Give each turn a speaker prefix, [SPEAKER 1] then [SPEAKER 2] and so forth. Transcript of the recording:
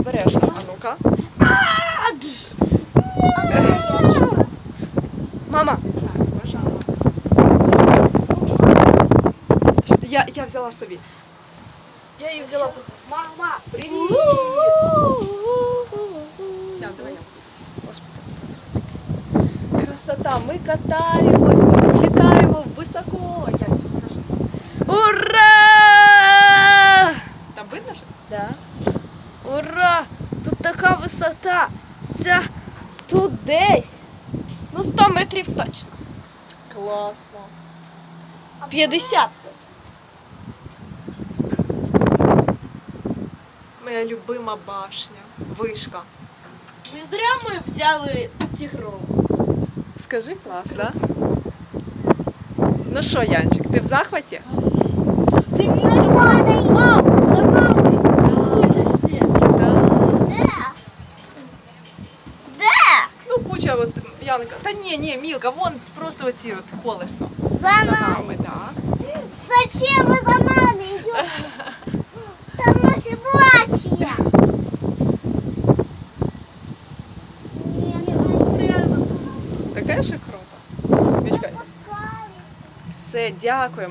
[SPEAKER 1] обережно. А ну-ка. Мама. Так, пожалуйста. Я взяла собі. Я її взяла. Мама, привіт! Давай я. Господи, красота, ми катаємось, ми літаємо високо. Ура! Там видно щось?
[SPEAKER 2] Да. Ура! Тут така висота. Тут десь. 100 метрів точно.
[SPEAKER 1] Класно.
[SPEAKER 2] 50 точно.
[SPEAKER 1] Моя любима башня, вишка.
[SPEAKER 2] Не зря ми взяли тигрову.
[SPEAKER 1] Скажи, клас, да? Ну що, Янчик, ти в захваті?
[SPEAKER 2] Дивіться, мам, за нами. Куча сіл.
[SPEAKER 1] Да.
[SPEAKER 3] Де?
[SPEAKER 1] Ну, куча, от, Янка. Та ні, Мілка, вон просто оці от колесо.
[SPEAKER 3] За
[SPEAKER 1] нами, да.
[SPEAKER 3] Зачем ви за нами йдете? Там наші братья.
[SPEAKER 1] Таке ж круто. Мішка, все, дякуємо.